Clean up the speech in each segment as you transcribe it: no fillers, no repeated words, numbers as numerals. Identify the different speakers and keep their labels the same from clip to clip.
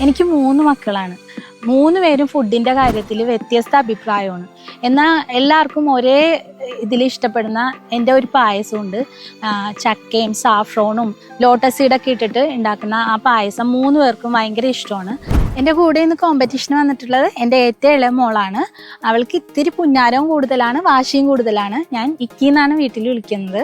Speaker 1: എനിക്ക് 3 മക്കളാണ്. 3 പേരും ഫുഡിന്റെ കാര്യത്തിൽ വ്യത്യസ്ത അഭിപ്രായമാണ്. എന്നാൽ എല്ലാവർക്കും ഒരേ ഇതിൽ ഇഷ്ടപ്പെടുന്ന എൻ്റെ ഒരു പായസമുണ്ട്. ചക്കയും സാഫ്രോണും ലോട്ടസ് സീഡൊക്കെ ഇട്ടിട്ട് ഉണ്ടാക്കുന്ന ആ പായസം 3 പേർക്കും ഭയങ്കര ഇഷ്ടമാണ്. എൻ്റെ കൂടെ ഇന്ന് കോമ്പറ്റീഷന് വന്നിട്ടുള്ളത് എൻ്റെ ഏറ്റവും ഇളയ മോളാണ്. അവൾക്ക് ഇത്തിരി പുന്നാരവും കൂടുതലാണ്, വാശിയും കൂടുതലാണ്. ഞാൻ ഇക്കിന്നാണ് വീട്ടിൽ വിളിക്കുന്നത്.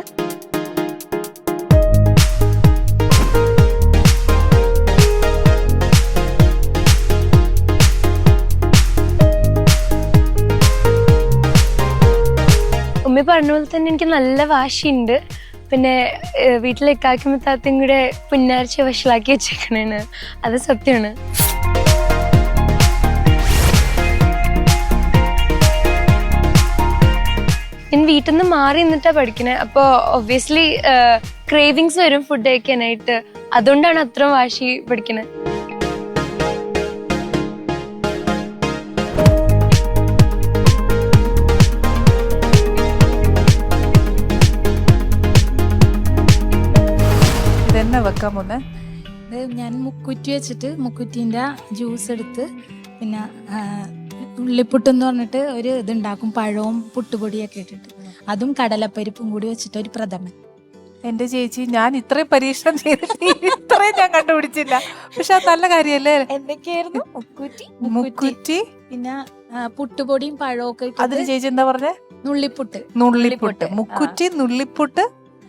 Speaker 2: ഉമ്മി പറഞ്ഞ പോലെ തന്നെ എനിക്ക് നല്ല വാശിയുണ്ട്. പിന്നെ വീട്ടിലെ ഇക്കാക്കും താത്തയും കൂടെ പുന്നാരിച്ച വഷളാക്കി വെച്ചേക്കണേണ്, അത് സത്യമാണ്. ഞാൻ വീട്ടിൽ നിന്ന് മാറി നിന്നിട്ടാ പഠിക്കണേ. അപ്പോൾ ഒബ്വിയസ്ലി ക്രേവിങ്സ് വരും ഫുഡ് കഴിക്കാനായിട്ട്. അതുകൊണ്ടാണ് അത്ര വാശി പഠിക്കണേ.
Speaker 3: വെക്കാൻ പോന്നെ
Speaker 1: ഞാൻ മുക്കുറ്റി വെച്ചിട്ട് മുക്കുറ്റിൻ്റെ ജ്യൂസ് എടുത്ത് പിന്നെ ഉള്ളിപ്പുട്ടെന്ന് പറഞ്ഞിട്ട് ഒരു ഇതുണ്ടാക്കും, പഴവും പുട്ടുപൊടിയൊക്കെ ഇട്ടിട്ട്. അതും കടലപ്പരിപ്പും കൂടി വെച്ചിട്ട് ഒരു പ്രഥമൻ.
Speaker 3: എന്റെ ചേച്ചി, ഞാൻ ഇത്രയും പരീക്ഷണം ചെയ്തിട്ട് ഇത്രയും ഞാൻ കണ്ടുപിടിച്ചില്ല. പക്ഷെ അത് നല്ല കാര്യല്ലേ?
Speaker 1: എന്തൊക്കെയായിരുന്നു?
Speaker 3: മുക്കുറ്റി
Speaker 1: പിന്നെ പുട്ടുപൊടിയും പഴവും ഒക്കെ.
Speaker 3: അതിന് ചേച്ചി എന്താ പറഞ്ഞേ?
Speaker 1: നുള്ളിപ്പുട്ട്.
Speaker 3: മുക്കുറ്റി, നുള്ളിപ്പുട്ട്,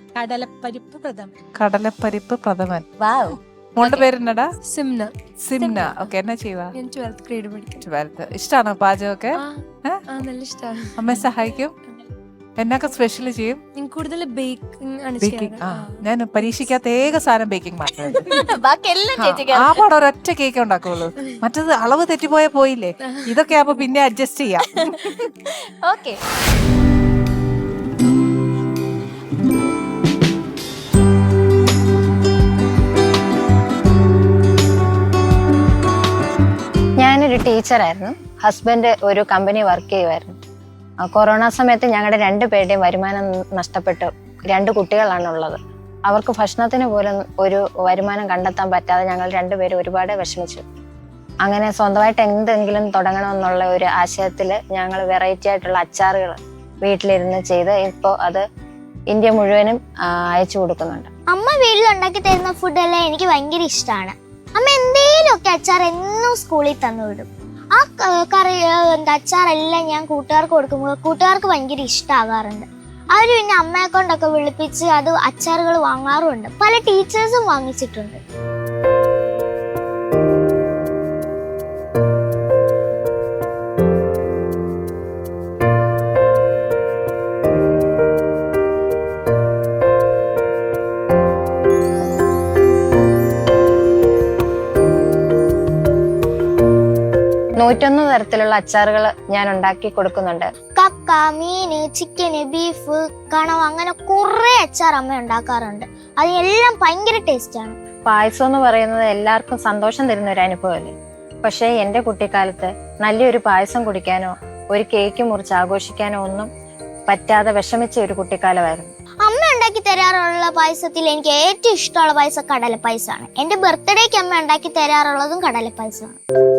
Speaker 1: കടലപ്പരിപ്പ് പ്രഥമൻ.
Speaker 3: മോളുടെ പേരെന്നടാ?
Speaker 2: സിംന.
Speaker 3: ഓക്കെ, എന്നാ ചെയ്യുവാ?
Speaker 2: ഞാൻ 12th grade പഠിക്കും.
Speaker 3: 12th. ഇഷ്ടാണോ പാചകമൊക്കെ?
Speaker 2: നല്ല ഇഷ്ടമാണ്.
Speaker 3: അമ്മയെ സഹായിക്കും? എന്നൊക്കെ സ്പെഷ്യൽ ചെയ്യും?
Speaker 2: ഞാൻ കൂടുതൽ ബേക്കിംഗ് ആണ്
Speaker 3: ബേക്കിംഗ്. ഞാൻ പരീക്ഷിക്കാത്ത ഏക സാധനം ബേക്കിംഗ് മാത്രമേ.
Speaker 1: ബാക്കിയെല്ലാം
Speaker 3: ആ പാടെ ഒരൊറ്റ കേക്ക് ഉണ്ടാക്കുള്ളൂ. മറ്റത് അളവ് തെറ്റിപ്പോയാ പോയില്ലേ. ഇതൊക്കെ ആവുമ്പോ പിന്നെ അഡ്ജസ്റ്റ് ചെയ്യാം.
Speaker 1: ഓക്കെ.
Speaker 4: ഞാനൊരു ടീച്ചറായിരുന്നു. ഹസ്ബൻഡ് ഒരു കമ്പനി വർക്ക് ചെയ്യുമായിരുന്നു. കൊറോണ സമയത്ത് ഞങ്ങളുടെ 2 പേരുടെയും വരുമാനം നഷ്ടപ്പെട്ടു. 2 കുട്ടികളാണുള്ളത്. അവർക്ക് ഭക്ഷണത്തിന് പോലും ഒരു വരുമാനം കണ്ടെത്താൻ പറ്റാതെ ഞങ്ങൾ 2 പേരും ഒരുപാട് വിഷമിച്ചു. അങ്ങനെ സ്വന്തമായിട്ട് എന്തെങ്കിലും തുടങ്ങണമെന്നുള്ള ഒരു ആശയത്തിൽ ഞങ്ങൾ വെറൈറ്റി ആയിട്ടുള്ള അച്ചാറുകൾ വീട്ടിലിരുന്ന് ചെയ്ത് ഇപ്പോൾ അത് ഇന്ത്യ മുഴുവനും അയച്ചു കൊടുക്കുന്നുണ്ട്.
Speaker 5: അമ്മ വീട്ടിൽ ഉണ്ടാക്കി തരുന്ന ഫുഡെല്ലാം എനിക്ക് ഭയങ്കര ഇഷ്ടമാണ്. അമ്മ എന്തേലുമൊക്കെ അച്ചാർ എന്നും സ്കൂളിൽ തന്നു വിടും. ആ കറി അച്ചാറെല്ലാം ഞാൻ കൂട്ടുകാർക്ക് കൊടുക്കുമ്പോൾ കൂട്ടുകാർക്ക് ഭയങ്കര ഇഷ്ടമാകാറുണ്ട്. അവർ പിന്നെ അമ്മയെ കൊണ്ടൊക്കെ വിളിപ്പിച്ച് അത് അച്ചാറുകൾ വാങ്ങാറുണ്ട്. പല ടീച്ചേഴ്സും വാങ്ങിച്ചിട്ടുണ്ട്.
Speaker 4: ൂറ്റൊന്ന് തരത്തിലുള്ള അച്ചാറുകൾ ഞാൻ ഉണ്ടാക്കി കൊടുക്കുന്നുണ്ട്.
Speaker 5: കക്ക, മീന്, ചിക്കന്, ബീഫ്, കണവ, അങ്ങനെ കുറെ അച്ചാർ അമ്മ ഉണ്ടാക്കാറുണ്ട്. അതിനെല്ലാം ഭയങ്കര ടേസ്റ്റാണ്.
Speaker 4: പായസം എന്ന് പറയുന്നത് എല്ലാവർക്കും സന്തോഷം തരുന്ന ഒരു അനുഭവമല്ലേ. പക്ഷേ എൻ്റെ കുട്ടിക്കാലത്ത് നല്ലൊരു പായസം കുടിക്കാനോ ഒരു കേക്ക് മുറിച്ച് ആഘോഷിക്കാനോ ഒന്നും പറ്റാതെ വിഷമിച്ച ഒരു കുട്ടിക്കാലമായിരുന്നു.
Speaker 5: അമ്മ ഉണ്ടാക്കി തരാറുള്ള പായസത്തിൽ എനിക്ക് ഏറ്റവും ഇഷ്ടമുള്ള പായസം കടലപ്പായസമാണ്. എന്റെ ബർത്ത്ഡേക്ക് അമ്മ ഉണ്ടാക്കി തരാറുള്ളതും കടലപ്പായസമാണ്.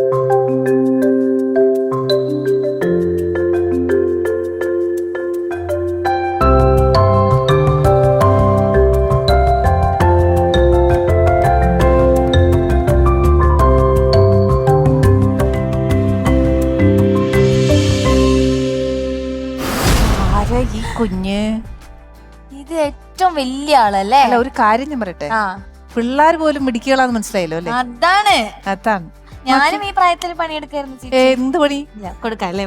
Speaker 3: ഈ കുഞ്ഞ്
Speaker 1: ഇത് ഏറ്റവും വലിയ ആളല്ലേ?
Speaker 3: അല്ല, ഒരു കാര്യം ഞാൻ പറയട്ടെ, പിള്ളേർ പോലും മിടിക്കുകളാന്ന് മനസ്സിലായല്ലോ അല്ലേ? അതാണ്
Speaker 1: ഞാനും ഈ പ്രായത്തിൽ പണിയെടുക്കായിരുന്നു.
Speaker 3: എന്ത് പണി
Speaker 1: കൊടുക്കല്ലേ?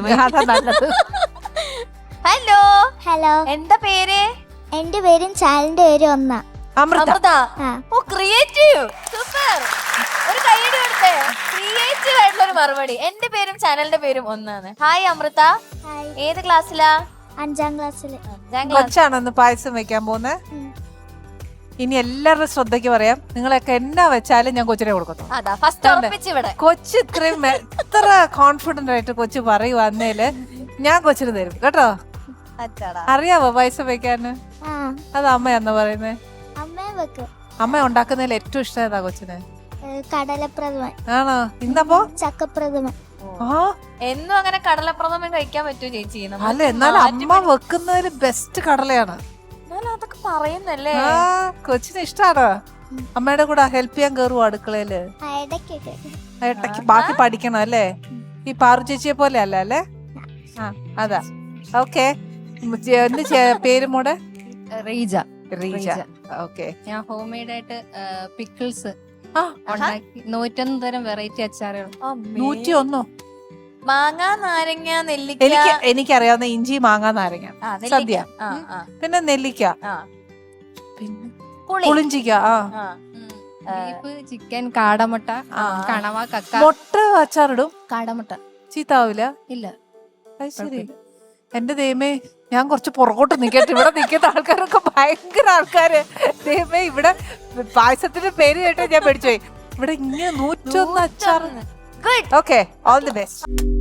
Speaker 5: ഹലോ ഹലോ,
Speaker 1: എന്താ പേര്?
Speaker 5: എന്റെ പേരും ചാനലിന്റെ പേരും ഒന്നാ.
Speaker 3: അമൃത.
Speaker 1: ഓ, ക്രിയേറ്റീവ്, സൂപ്പർ. ഒരു കൈയ്യടി കൊടുത്തേ. ക്രിയേറ്റീവ് ആയിട്ടുള്ള ഒരു മറുപടി. എന്റെ പേരും ചാനലിന്റെ പേരും ഒന്നാണ്. ഹായ് അമൃത, ഏത് ക്ലാസ്സിലാ?
Speaker 5: 5ാം ക്ലാസ്സില്.
Speaker 3: കൊച്ചാണെന്ന് പായസം വെക്കാൻ പോന്നെ. ഇനി എല്ലാവരുടെ ശ്രദ്ധയ്ക്ക് പറയാം, നിങ്ങളൊക്കെ എന്നാ വെച്ചാലും ഞാൻ കൊച്ചിനെ കൊടുക്കുന്നു. കൊച്ചു ഇത്രയും എത്ര കോൺഫിഡന്റ് ആയിട്ട് കൊച്ചു പറയുവാന്നേല് ഞാൻ കൊച്ചിന് തരും കേട്ടോ. അറിയാവോ പായസം വെക്കാന്? അത് അമ്മയാന്ന് പറയുന്നേ. അമ്മ ഉണ്ടാക്കുന്നതിൽ ഏറ്റവും ഇഷ്ടം ഏതാ കൊച്ചിന്?
Speaker 5: കടലപ്രഥമൻ.
Speaker 3: ആണോ? ഇന്നപ്പോ
Speaker 5: ചക്കപ്രഥമൻ.
Speaker 3: ആ
Speaker 6: എന്നും അങ്ങനെ കടലപ്രഥമൻ കഴിക്കാൻ പറ്റുമോ ചേച്ചി?
Speaker 3: അല്ല, എന്നാലും അമ്മ വെക്കുന്നതിൽ ബെസ്റ്റ് കടലയാണ്.
Speaker 6: എന്നാലും അതൊക്കെ പറയുന്നല്ലേ.
Speaker 3: ആ കൊച്ചിന് ഇഷ്ടാണ്. അമ്മയുടെ കൂടെ ഹെൽപ്പ് ചെയ്യാൻ കയറുവോ അടുക്കളയില്?
Speaker 5: ഇടയ്ക്കൊക്കെ.
Speaker 3: ഏട്ടക്ക് ബാക്കി പഠിക്കണം അല്ലേ? ഈ പാറു ചേച്ചിയെ പോലെ അല്ല അല്ലേ? ആ അതാ. ഓക്കെ, പേര് മോടെ?
Speaker 7: റീജ.
Speaker 3: റീജ. ഓക്കെ.
Speaker 7: ഞാൻ ഹോം മെയ്ഡ് ആയിട്ട് പിക്കിൾസ്
Speaker 3: ആ
Speaker 7: ഉണ്ടാക്കി 101 തരം വെറൈറ്റി അച്ചാറുകൾ.
Speaker 3: 101.
Speaker 6: മാങ്ങ, നാരങ്ങ, നെല്ലിക്ക.
Speaker 3: എനിക്കറിയാവുന്ന ഇഞ്ചി, മാങ്ങ, നാരങ്ങ,
Speaker 6: ആ, നെല്ലിക്ക.
Speaker 3: സദ്യ,
Speaker 6: ആ, ആ,
Speaker 3: പിന്നെ നെല്ലിക്ക,
Speaker 6: ആ.
Speaker 3: പിന്നെ
Speaker 6: പുളി.
Speaker 3: പുളിഞ്ചിക്ക. ആ
Speaker 6: ആ.
Speaker 7: ബീഫ്, ചിക്കൻ, കാടമുട്ട, കണവ, കക്ക.
Speaker 3: മുട്ട അച്ചാറിടും.
Speaker 7: കാടമുട്ട
Speaker 3: ചീത്താവില്ല?
Speaker 7: ഇല്ല.
Speaker 3: അത് ശരി. എന്റെ ദൈവമേ, ഞാൻ കുറച്ച് പുറകോട്ട് നിക്കട്ടെ. ഇവിടെ നിൽക്കുന്ന ആൾക്കാരൊക്കെ ഭയങ്കര ആൾക്കാര്. ദൈവമേ, ഇവിടെ പായസത്തിന്റെ പേര് കേട്ട് ഞാൻ പേടിച്ചുപോയി. ഇവിടെ ഇങ്ങനെ 101 അച്ചാർ. Okay, all the best.